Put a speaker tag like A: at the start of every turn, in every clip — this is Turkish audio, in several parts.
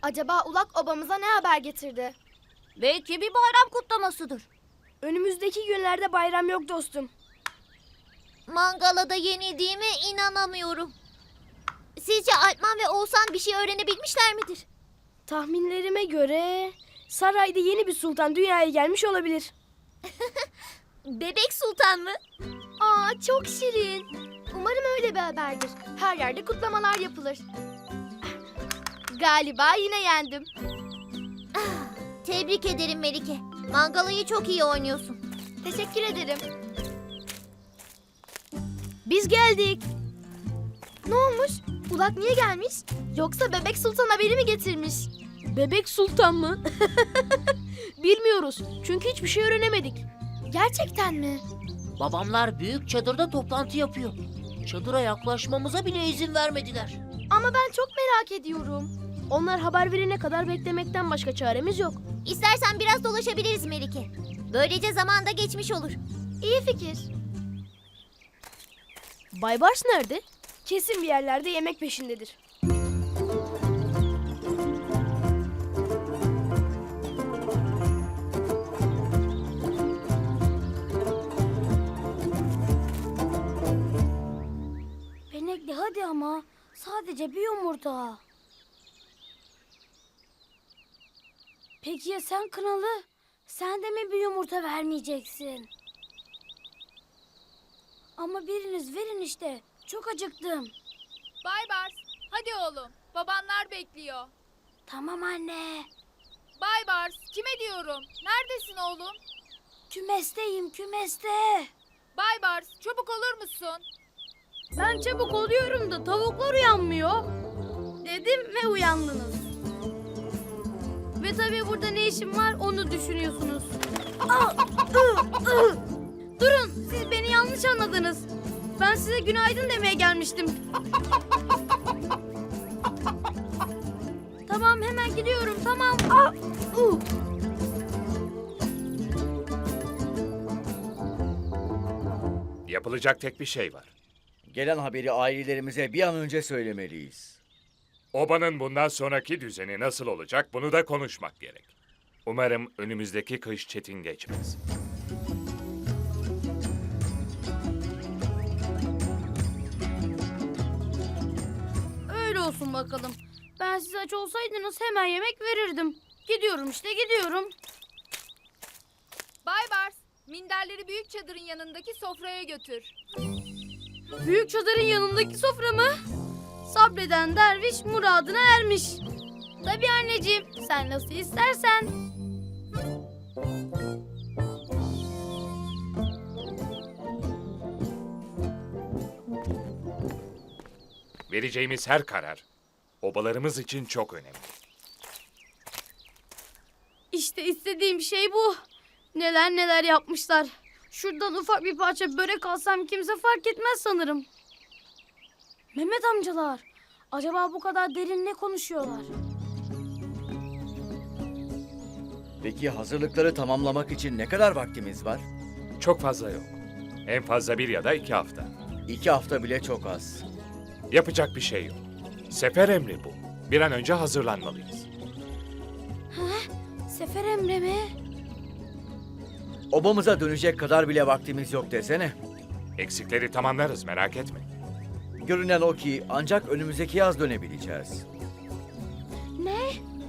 A: Acaba Ulak obamıza ne haber getirdi?
B: Belki bir bayram kutlamasıdır.
C: Önümüzdeki günlerde bayram yok dostum.
B: Mangalada yenildiğime inanamıyorum. Sizce Alpman ve Oğuzhan bir şey öğrenebilmişler midir?
C: Tahminlerime göre sarayda yeni bir sultan dünyaya gelmiş olabilir.
B: Bebek Sultan mı?
A: Aa, çok şirin. Umarım öyle bir haberdir. Her yerde kutlamalar yapılır. Galiba yine yendim.
B: Tebrik ederim Melike. Mangalayı çok iyi oynuyorsun.
A: Teşekkür ederim.
C: Biz geldik.
A: Ne olmuş? Ulak niye gelmiş? Yoksa Bebek Sultan haberi mi getirmiş?
C: Bebek sultan mı? Bilmiyoruz. Çünkü hiçbir şey öğrenemedik.
A: Gerçekten mi?
D: Babamlar büyük çadırda toplantı yapıyor. Çadıra yaklaşmamıza bile izin vermediler.
A: Ama ben çok merak ediyorum.
C: Onlar haber verene kadar beklemekten başka çaremiz yok.
B: İstersen biraz dolaşabiliriz Melike. Böylece zaman da geçmiş olur.
A: İyi fikir.
C: Baybars nerede? Kesin bir yerlerde yemek peşindedir.
E: Benekli hadi ama. Sadece bir yumurta. Peki ya sen Kınalı? Sen de mi bir yumurta vermeyeceksin? Ama biriniz verin işte. Çok acıktım.
F: Baybars, hadi oğlum. Babanlar bekliyor.
E: Tamam anne.
F: Baybars, kime diyorum? Neredesin oğlum?
E: Kümesteyim kümeste.
F: Baybars, çabuk olur musun?
C: Ben çabuk oluyorum da tavuklar uyanmıyor. Dedim ve uyandınız. Ve tabii burada ne işim var onu düşünüyorsunuz. Durun, siz beni yanlış anladınız. Ben size günaydın demeye gelmiştim. Tamam, hemen gidiyorum, tamam.
G: Yapılacak tek bir şey var.
H: Gelen haberi ailelerimize bir an önce söylemeliyiz.
G: Obanın bundan sonraki düzeni nasıl olacak bunu da konuşmak gerek. Umarım önümüzdeki kış çetin geçmez.
C: Öyle olsun bakalım. Ben siz aç olsaydınız hemen yemek verirdim. Gidiyorum işte, gidiyorum.
F: Baybars, minderleri büyük çadırın yanındaki sofraya götür.
C: Büyük çadırın yanındaki sofra mı? Sabreden derviş muradına ermiş. Tabii anneciğim, sen nasıl istersen.
G: Vereceğimiz her karar obalarımız için çok önemli.
C: İşte istediğim şey bu. Neler neler yapmışlar. Şuradan ufak bir parça börek alsam kimse fark etmez sanırım. Mehmet amcalar, acaba bu kadar derin ne konuşuyorlar?
H: Peki hazırlıkları tamamlamak için ne kadar vaktimiz var?
G: Çok fazla yok. En fazla 1 ya da 2 hafta.
H: 2 hafta bile çok az.
G: Yapacak bir şey yok. Sefer emri bu. Bir an önce hazırlanmalıyız.
E: Sefer emri mi?
H: Obamıza dönecek kadar bile vaktimiz yok desene.
G: Eksikleri tamamlarız, merak etme.
H: Görünen o ki ancak önümüzdeki yaz dönebileceğiz.
E: Ne?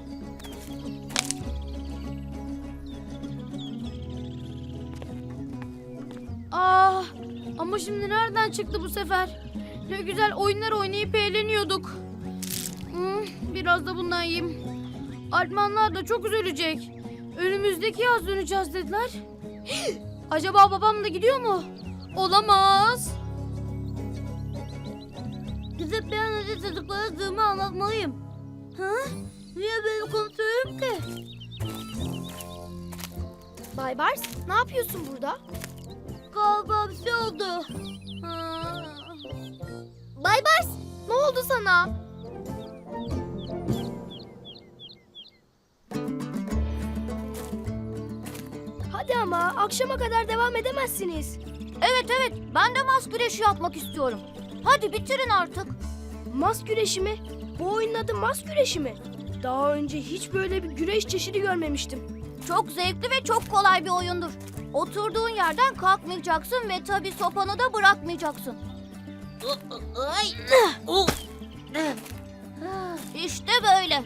C: Ah, ama şimdi nereden çıktı bu sefer? Ne güzel oyunlar oynayıp eğleniyorduk. Biraz da bundan yiyeyim. Alpmanlar da çok üzülecek. Önümüzdeki yaz döneceğiz dediler. Acaba babam da gidiyor mu? Olamaz.
E: Gidip bir an önce çocuklara durumu anlatmalıyım. Ha? Niye böyle konuşuyorum ki?
A: Baybars, ne yapıyorsun burada?
E: Galiba bir şey oldu.
A: Baybars, ne oldu sana?
C: Hadi ama akşama kadar devam edemezsiniz.
B: Evet, ben de mas güreşi yapmak istiyorum. Hadi bitirin artık.
C: Mas güreşi mi? Bu oyunun adı mas güreşi mi?
E: Daha önce hiç böyle bir güreş çeşidi görmemiştim.
B: Çok zevkli ve çok kolay bir oyundur. Oturduğun yerden kalkmayacaksın ve tabii sopanı da bırakmayacaksın. İşte böyle.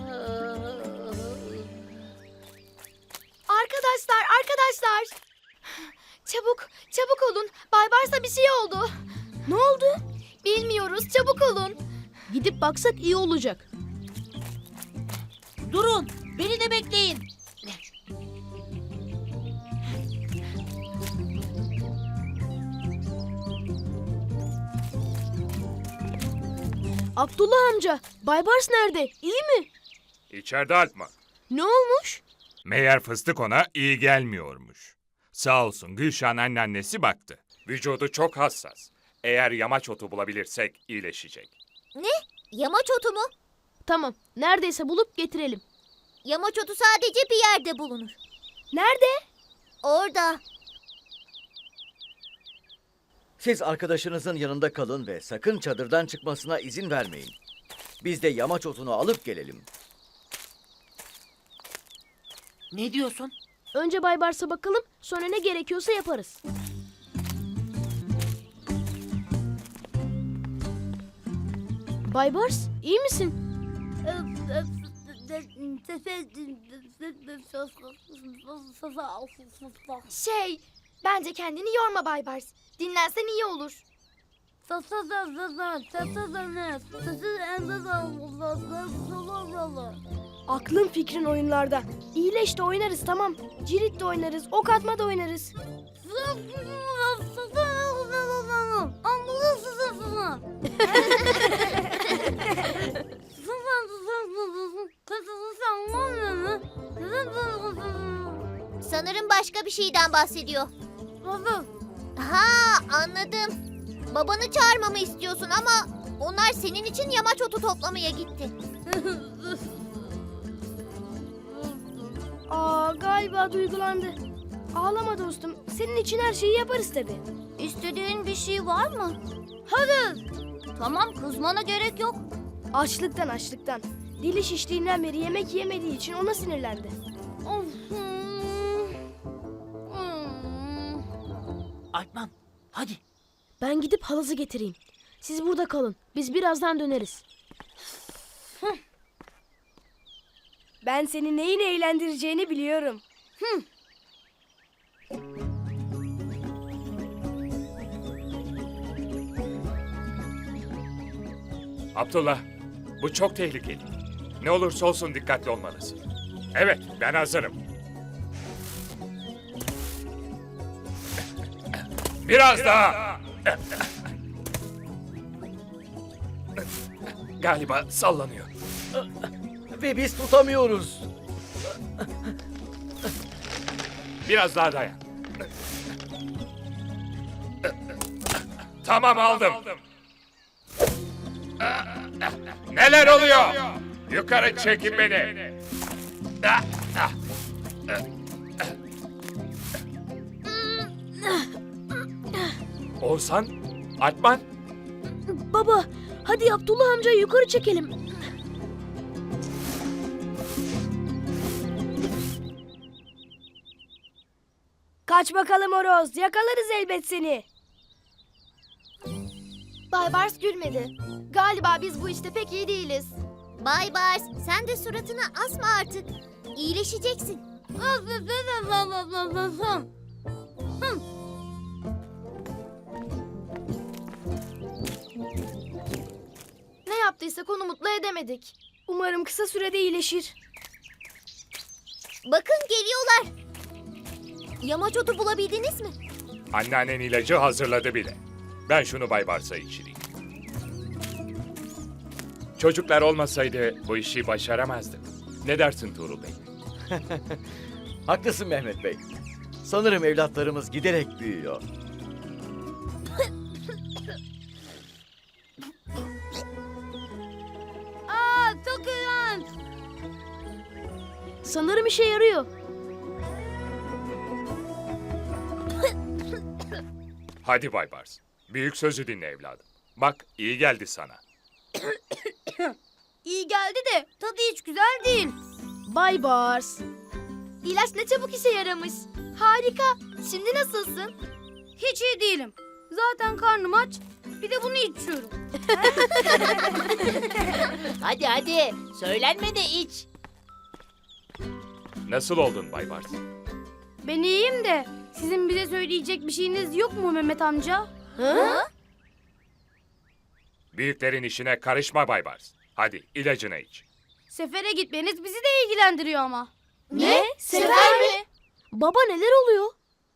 A: Arkadaşlar. Çabuk olun. Baybars'a bir şey oldu.
E: Ne oldu?
A: Bilmiyoruz, çabuk olun.
E: Gidip baksak iyi olacak.
C: Durun, beni de bekleyin.
E: Abdullah amca, Baybars nerede? İyi mi?
G: İçeride Alpman.
E: Ne olmuş?
G: Meğer fıstık ona iyi gelmiyormuş. Sağ olsun Gülşah'ın anneannesi baktı. Vücudu çok hassas. Eğer yamaç otu bulabilirsek iyileşecek.
B: Yamaç otu mu?
E: Tamam, neredeyse bulup getirelim.
B: Yamaç otu sadece bir yerde bulunur.
E: Nerede?
B: Orada.
H: Siz arkadaşınızın yanında kalın ve sakın çadırdan çıkmasına izin vermeyin. Biz de yamaç otunu alıp gelelim.
D: Ne diyorsun?
E: Önce Baybars'a bakalım, sonra ne gerekiyorsa yaparız. Baybars, iyi misin?
A: Bence kendini yorma Baybars. Dinlensen iyi olur.
E: Aklın fikrin oyunlarda. İyileş de oynarız tamam. Cirit de oynarız, ok atma da oynarız.
B: Sanırım başka bir şeyden bahsediyor. Ha, anladım. Babanı çağırmamı istiyorsun ama onlar senin için yamaç otu toplamaya gitti.
E: Galiba duygulandı. Ağlama dostum. Senin için her şeyi yaparız tabii.
B: İstediğin bir şey var mı? Hadi. Tamam, kızmana gerek yok.
E: Açlıktan. Dili şiştiğinden beri yemek yemediği için ona sinirlendi.
D: Alpman, hadi.
E: Ben gidip halızı getireyim. Siz burada kalın. Biz birazdan döneriz. Ben seni neyin eğlendireceğini biliyorum.
G: Abdullah, bu çok tehlikeli. Ne olursa olsun dikkatli olmalısın. Evet, ben hazırım. Biraz daha. Galiba sallanıyor.
H: Ve biz tutamıyoruz.
G: Biraz daha dayan. Tamam, aldım. Neler oluyor? Yukarı çekin beni. Oğuzhan, Alpman,
E: Baba, hadi Abdullah amcayı yukarı çekelim. Kaç bakalım horoz, yakalarız elbet seni.
A: Baybars gülmedi. Galiba biz bu işte pek iyi değiliz.
B: Bay Bars, sen de suratını asma artık. İyileşeceksin.
A: Ne yaptıysak onu mutlu edemedik.
E: Umarım kısa sürede iyileşir.
B: Bakın geliyorlar. Yamaç otu bulabildiniz mi?
G: anneannen ilacı hazırladı bile. Ben şunu Bay Bars'a içireyim. Çocuklar olmasaydı bu işi başaramazdık. Ne dersin Tuğrul Bey?
H: Haklısın Mehmet Bey. Sanırım evlatlarımız giderek büyüyor.
E: Çok iğrenç. Sanırım işe yarıyor.
G: Hadi Bay Bars. Büyük sözü dinle evladım. Bak iyi geldi sana.
B: İyi geldi de tadı hiç güzel değil.
C: Bay Bars.
A: İlaç ne çabuk işe yaramış. Harika. Şimdi nasılsın?
C: Hiç iyi değilim. Zaten karnım aç. Bir de bunu içiyorum.
D: Hadi hadi. Söylenme de iç.
G: Nasıl oldun Bay Bars?
C: Ben iyiyim de sizin bize söyleyecek bir şeyiniz yok mu Mehmet amca?
G: Büyüklerin işine karışma Bay Bars. Hadi ilacını iç.
C: Sefere gitmeniz bizi de ilgilendiriyor ama.
A: Ne? Sefer mi?
C: Baba neler oluyor?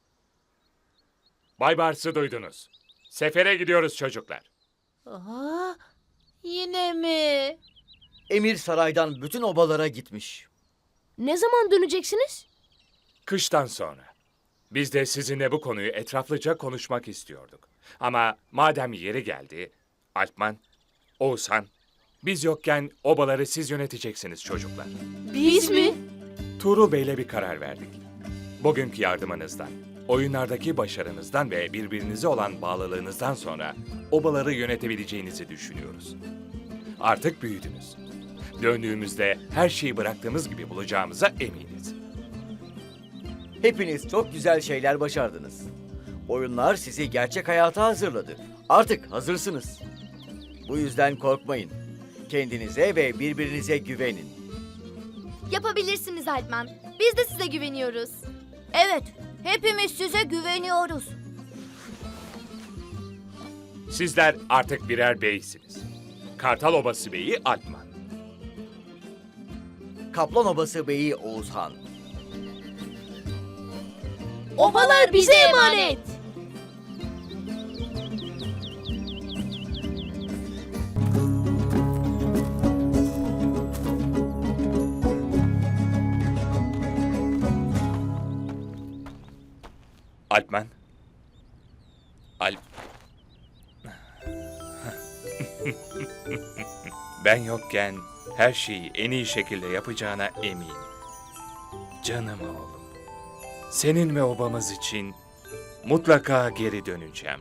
G: Bay Bars'ı duydunuz. Sefere gidiyoruz çocuklar.
D: Aa, yine mi?
H: Emir saraydan bütün obalara gitmiş.
C: Ne zaman döneceksiniz?
G: Kıştan sonra. Biz de sizinle bu konuyu etraflıca konuşmak istiyorduk. Ama madem yeri geldi, Alpman, Oğuzhan, biz yokken obaları siz yöneteceksiniz çocuklar.
C: Biz mi?
G: Tuğrul Bey'le bir karar verdik. Bugünkü yardımınızdan, oyunlardaki başarınızdan ve birbirinize olan bağlılığınızdan sonra obaları yönetebileceğinizi düşünüyoruz. Artık büyüdünüz. Döndüğümüzde her şeyi bıraktığımız gibi bulacağımıza eminiz.
H: Hepiniz çok güzel şeyler başardınız. Oyunlar sizi gerçek hayata hazırladı. Artık hazırsınız. Bu yüzden korkmayın. Kendinize ve birbirinize güvenin.
A: Yapabilirsiniz Alpman. Biz de size güveniyoruz.
B: Evet, hepimiz size güveniyoruz.
G: Sizler artık birer beysiniz. Kartal Obası Beyi Alpman.
H: Kaplan Obası Beyi Oğuzhan.
A: Obalar bize emanet.
G: Alpman. Ben yokken her şeyi en iyi şekilde yapacağına eminim. Canım oğlum. Senin ve obamız için mutlaka geri döneceğim.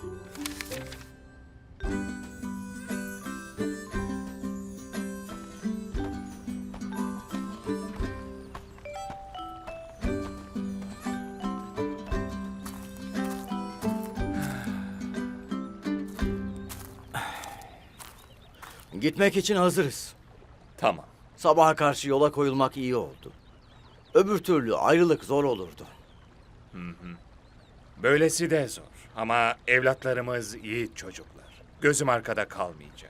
H: Gitmek için hazırız.
G: Tamam.
H: Sabaha karşı yola koyulmak iyi oldu. Öbür türlü ayrılık zor olurdu.
G: Böylesi de zor. Ama evlatlarımız yiğit çocuklar. Gözüm arkada kalmayacak.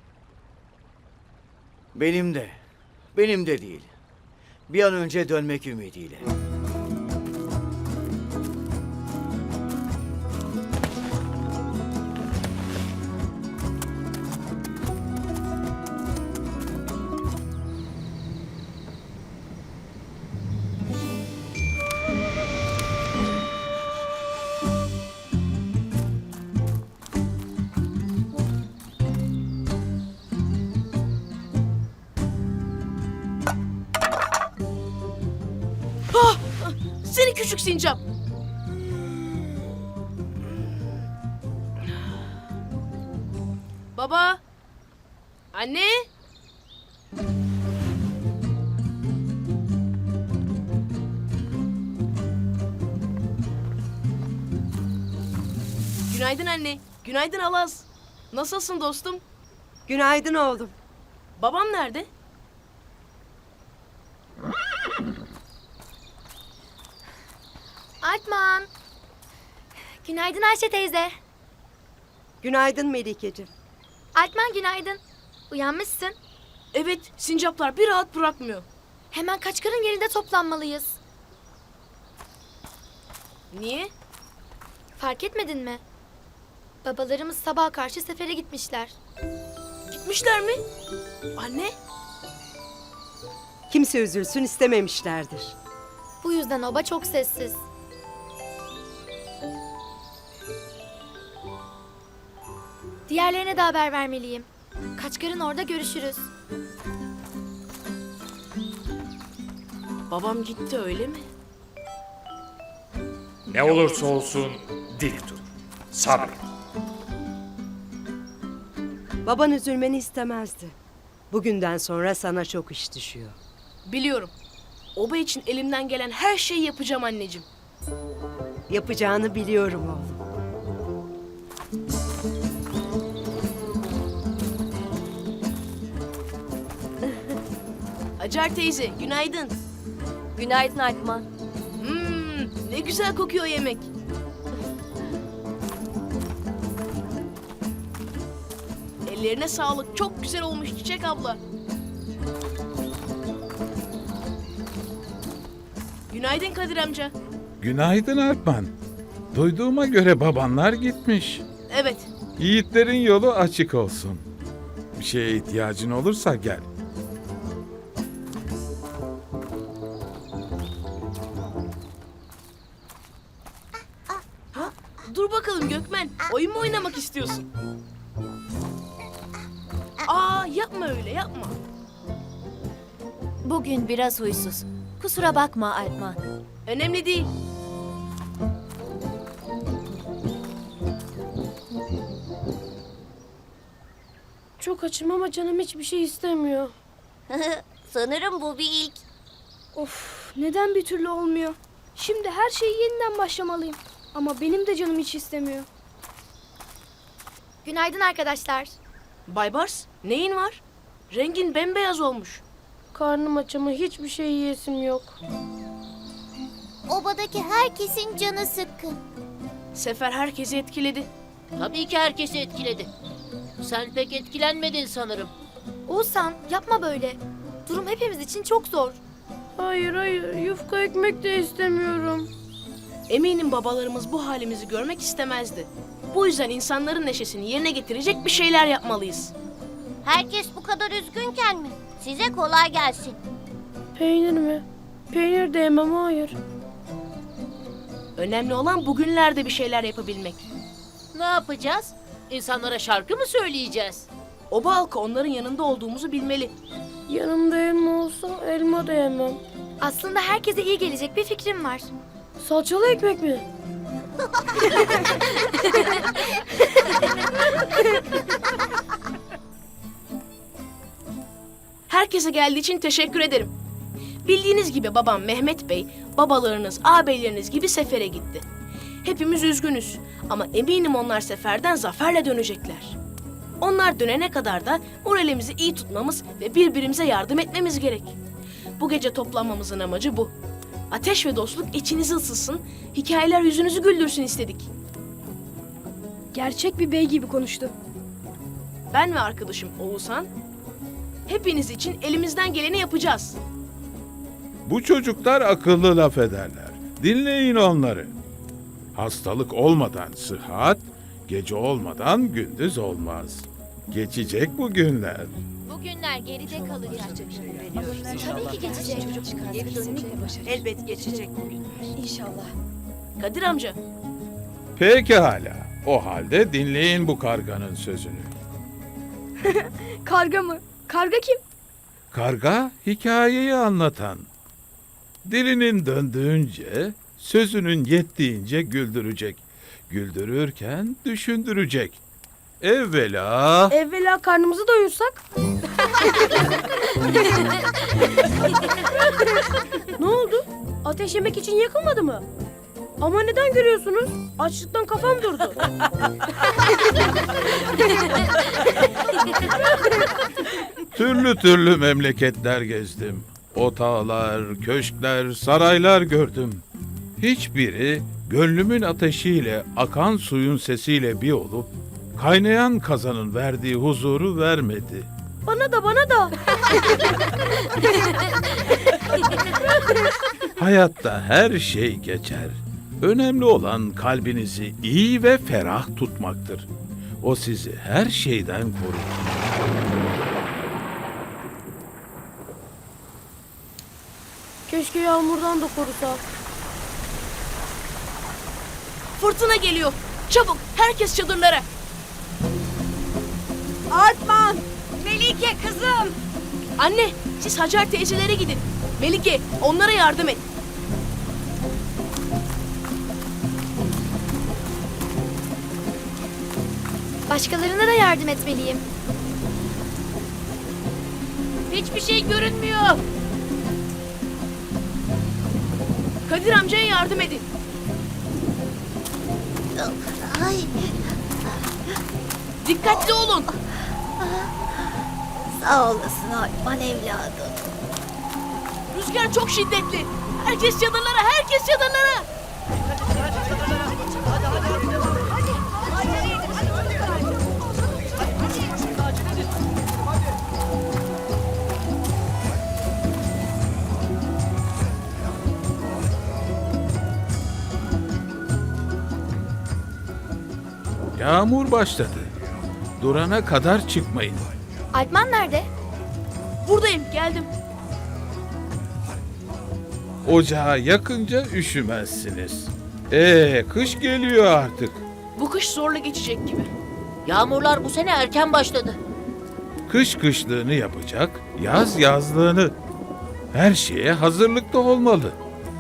H: Benim de. Benim de değil. Bir an önce dönmek ümidiyle.
C: Seni küçük sincap. Baba. Anne. Günaydın anne. Günaydın Alaz. Nasılsın dostum?
I: Günaydın oğlum.
C: Babam nerede?
A: Alpman. Günaydın Ayşe teyze.
I: Günaydın Melikeciğim.
A: Alpman günaydın. Uyanmışsın.
C: Evet, sincaplar bir rahat bırakmıyor.
A: Hemen Kaçkar'ın yerinde toplanmalıyız.
C: Niye?
A: Fark etmedin mi? Babalarımız sabaha karşı sefere gitmişler.
C: Gitmişler mi? Anne?
I: Kimse üzülsün istememişlerdir.
A: Bu yüzden oba çok sessiz. Diğerlerine de haber vermeliyim. Kaçkar'ın orada görüşürüz.
C: Babam gitti öyle mi?
G: Ne olursa olsun dik dur. Sabret.
I: Baban üzülmeni istemezdi. Bugünden sonra sana çok iş düşüyor.
E: Biliyorum. Oba için elimden gelen her şeyi yapacağım anneciğim.
I: Yapacağını biliyorum oğlum.
E: Hacer teyze, günaydın.
B: Günaydın Alpman.
E: Ne güzel kokuyor yemek. Ellerine sağlık. Çok güzel olmuş Çiçek abla. Günaydın Kadir amca.
J: Günaydın Alpman. Duyduğuma göre babanlar gitmiş.
E: Evet,
J: Yiğitlerin yolu açık olsun. Bir şeye ihtiyacın olursa gel.
E: dur bakalım Gökmen. Oyun mu oynamak istiyorsun? Aa, yapma öyle, yapma.
B: Bugün biraz huysuz. Kusura bakma Alpman.
E: Önemli değil.
C: Çok açım ama canım hiçbir şey istemiyor.
B: Sanırım bu bir ilk.
A: Of, neden bir türlü olmuyor? Şimdi her şeyi yeniden başlamalıyım. Ama benim de canım hiç istemiyor. Günaydın arkadaşlar.
E: Baybars, neyin var? Rengin bembeyaz olmuş.
C: Karnım aç ama hiçbir şey yiyesim yok.
B: Obadaki herkesin canı sıkkın.
E: Sefer herkesi etkiledi.
D: Tabii ki herkesi etkiledi. Sen pek etkilenmedin sanırım.
A: Oğuzhan, yapma böyle. Durum hepimiz için çok zor.
C: Hayır hayır, yufka ekmek de istemiyorum.
E: Eminim babalarımız bu halimizi görmek istemezdi. Bu yüzden insanların neşesini yerine getirecek bir şeyler yapmalıyız.
B: Herkes bu kadar üzgünken mi? Size kolay gelsin.
C: Peynir mi? Peynir de yemem, hayır.
E: Önemli olan bugünlerde bir şeyler yapabilmek.
D: Ne yapacağız? İnsanlara şarkı mı söyleyeceğiz?
E: Oba halkı onların yanında olduğumuzu bilmeli.
C: Yanımda elma olsa elma da yemem.
A: Aslında herkese iyi gelecek bir fikrim var.
C: Salçalı ekmek mi?
E: Herkese geldiği için teşekkür ederim. Bildiğiniz gibi babam Mehmet Bey, babalarınız, ağabeyleriniz gibi sefere gitti. Hepimiz üzgünüz ama eminim onlar seferden zaferle dönecekler. Onlar dönene kadar da moralimizi iyi tutmamız ve birbirimize yardım etmemiz gerek. Bu gece toplanmamızın amacı bu. Ateş ve dostluk içinizi ısıtsın, hikayeler yüzünüzü güldürsün istedik.
A: Gerçek bir bey gibi konuştu.
E: Ben ve arkadaşım Oğuzhan, hepiniz için elimizden geleni yapacağız.
J: Bu çocuklar akıllı laf ederler. Dinleyin onları. Hastalık olmadan sıhhat, gece olmadan gündüz olmaz. Geçecek bu günler.
B: Bu günler geride kalacak.
A: Tabii ki geçecek.
I: Elbet geçecek bugün.
E: Kadir amca,
J: Pekala. O halde dinleyin bu karganın sözünü.
A: Karga mı? Karga kim?
J: Karga hikayeyi anlatan. Dilinin döndüğünce, sözünün yettiğince güldürecek. Güldürürken düşündürecek. Evvela...
C: Evvela karnımızı doyursak. Ne oldu? Ateş yemek için yakılmadı mı? Ama neden görüyorsunuz? Açlıktan kafam durdu.
J: Türlü türlü memleketler gezdim. Otağlar, köşkler, saraylar gördüm. Hiçbiri gönlümün ateşiyle, akan suyun sesiyle bir olup, kaynayan kazanın verdiği huzuru vermedi.
C: Bana da bana da.
J: Hayatta her şey geçer. Önemli olan kalbinizi iyi ve ferah tutmaktır. O sizi her şeyden korur.
C: Keşke yağmurdan da korusa.
E: fırtına geliyor. Çabuk, herkes çadırlara.
I: Artman! Melike kızım!
E: Anne, siz Hacer teyzelere gidin. Melike, onlara yardım et.
A: Başkalarına da yardım etmeliyim.
C: Hiçbir şey görünmüyor.
E: Kadir amcaya yardım edin.
B: Ay,
E: Dikkatli olun.
B: sağ olasın Alpman evladım.
E: Rüzgar çok şiddetli. Herkes çadırlara, herkes çadırlara.
J: Yağmur başladı. Durana kadar çıkmayın.
B: Alpman nerede?
E: Buradayım, geldim.
J: Ocağa yakınca üşümezsiniz. Kış geliyor artık.
E: Bu kış zorla geçecek gibi.
D: Yağmurlar bu sene erken başladı.
J: Kış kışlığını yapacak, yaz yazlığını. Her şeye hazırlıklı olmalı.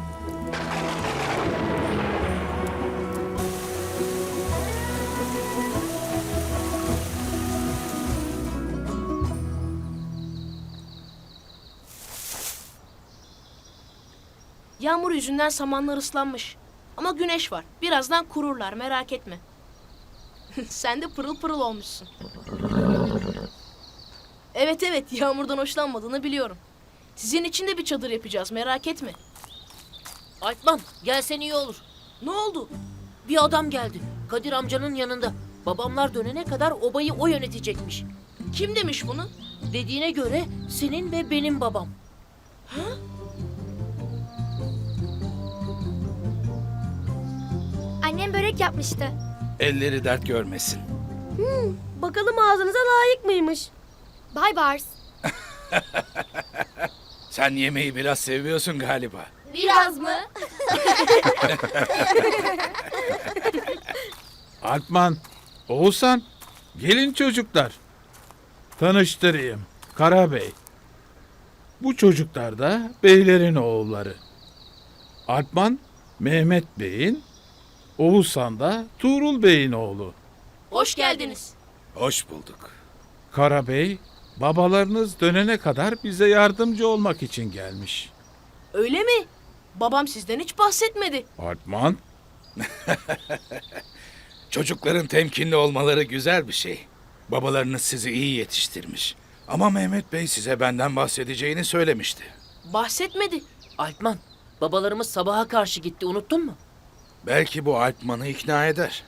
E: Yağmur yüzünden samanlar ıslanmış. Ama güneş var. Birazdan kururlar, merak etme. Sen de pırıl pırıl olmuşsun. Evet, yağmurdan hoşlanmadığını biliyorum. Sizin için de bir çadır yapacağız, merak etme.
D: Alpman gelsen iyi olur.
E: Ne oldu?
D: Bir adam geldi. Kadir amcanın yanında. Babamlar dönene kadar obayı o yönetecekmiş.
E: Kim demiş bunu?
D: Dediğine göre senin ve benim babam.
B: Annem börek yapmıştı.
J: Elleri dert görmesin.
C: Bakalım ağzınıza layık mıymış?
B: Bay Bars.
J: Sen yemeği biraz seviyorsun galiba.
B: Biraz mı?
J: Alpman, Oğuzhan, gelin çocuklar. Tanıştırayım, Karabey. Bu çocuklar da beylerin oğulları. Alpman, Mehmet Bey'in, Oğuzhan da Tuğrul Bey'in oğlu.
E: Hoş geldiniz.
J: Hoş bulduk. Karabey, babalarınız dönene kadar bize yardımcı olmak için gelmiş.
E: Öyle mi? Babam sizden hiç bahsetmedi.
J: Alpman,
K: Çocukların temkinli olmaları güzel bir şey. Babalarınız sizi iyi yetiştirmiş. Ama Mehmet Bey size benden bahsedeceğini söylemişti.
E: Bahsetmedi.
D: Alpman, babalarımız sabaha karşı gitti, unuttun mu?
K: Belki bu Alpman'ı ikna eder.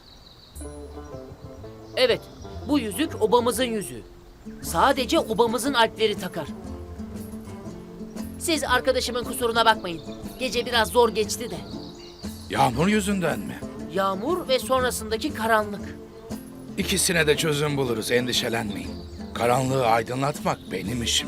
D: Evet, bu yüzük obamızın yüzüğü. Sadece obamızın alpleri takar. Siz arkadaşımın kusuruna bakmayın. Gece biraz zor geçti de.
K: Yağmur yüzünden mi?
D: Yağmur ve sonrasındaki karanlık.
K: İkisine de çözüm buluruz, endişelenmeyin. Karanlığı aydınlatmak benim işim.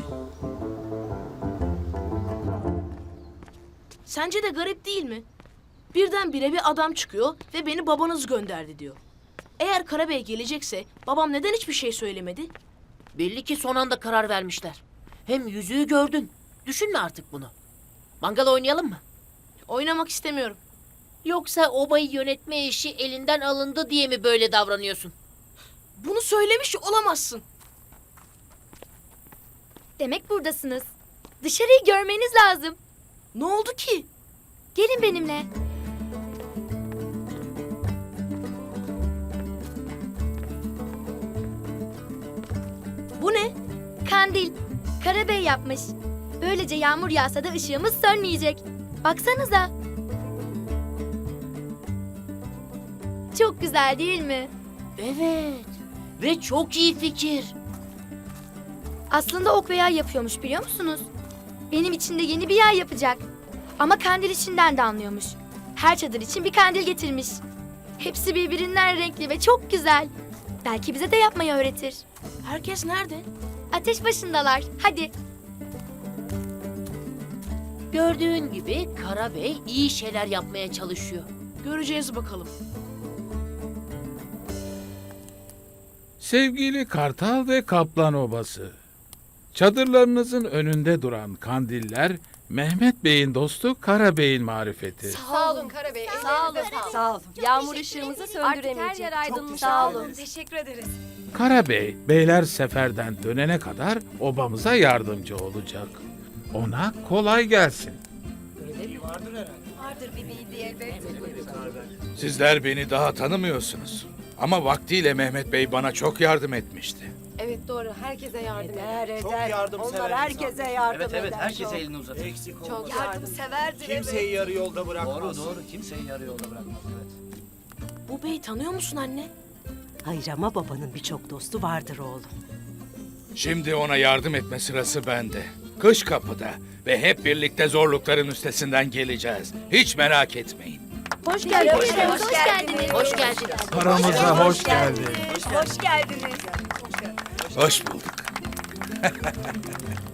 E: Sence de garip değil mi? Birdenbire bir adam çıkıyor ve beni babanız gönderdi diyor. Eğer Karabey gelecekse babam neden hiçbir şey söylemedi?
D: Belli ki son anda karar vermişler. Hem yüzüğü gördün. Düşünme artık bunu. Mangal oynayalım mı?
E: Oynamak istemiyorum.
D: Yoksa obayı yönetme işi elinden alındı diye mi böyle davranıyorsun?
E: Bunu söylemiş olamazsın.
B: Demek buradasınız. Dışarıyı görmeniz lazım.
E: Ne oldu ki?
B: Gelin benimle.
E: Bu ne?
B: Kandil. Karabey yapmış. Böylece yağmur yağsa da ışığımız sönmeyecek. Baksanıza. Çok güzel değil mi?
D: Evet. Ve çok iyi fikir.
B: Aslında ok ve yay yapıyormuş biliyor musunuz? Benim için de yeni bir yay yapacak. Ama kandil işinden de anlıyormuş. Her çadır için bir kandil getirmiş. Hepsi birbirinden renkli ve çok güzel. Belki bize de yapmayı öğretir.
E: Herkes nerede?
B: Ateş başındalar. Hadi.
D: Gördüğün gibi Karabey iyi şeyler yapmaya çalışıyor.
E: Göreceğiz bakalım.
J: sevgili Kartal ve Kaplan Obası. Çadırlarınızın önünde duran kandiller Mehmet Bey'in dostu Kara Bey'in marifeti.
F: Sağ olun Karabey. Sağ olun.
I: Sağ ol.
F: Yağmur ışığımızı söndüremeyecek.
I: Sağ olun. Teşekkür ederiz.
J: Kara Bey, beyler seferden dönene kadar obamıza yardımcı olacak. Ona kolay gelsin.
I: Vardır bir bildiği elbet.
K: Sizler beni daha tanımıyorsunuz. Ama vaktiyle Mehmet Bey bana çok yardım etmişti.
F: Evet doğru. Herkese yardım edin.
I: Eder. Onlar herkese yardım eder.
L: Evet, herkese elini uzatın. Eksik olma.
F: Çok
I: Yardımseverdir.
L: Kimseyi yarı yolda bırakmaz. Doğru, kimseyi yarı yolda bırakmaz. Evet.
E: Bu beyi tanıyor musun anne?
I: Hayır ama babanın birçok dostu vardır oğlum.
K: Şimdi ona yardım etme sırası bende. Kış kapıda ve hep birlikte zorlukların üstesinden geleceğiz. Hiç merak etmeyin.
C: Hoş geldiniz.
B: Hoş geldiniz.
D: Hoş geldin.
J: Aramıza hoş geldin.
I: Hoş geldiniz.
K: Hoş bulduk.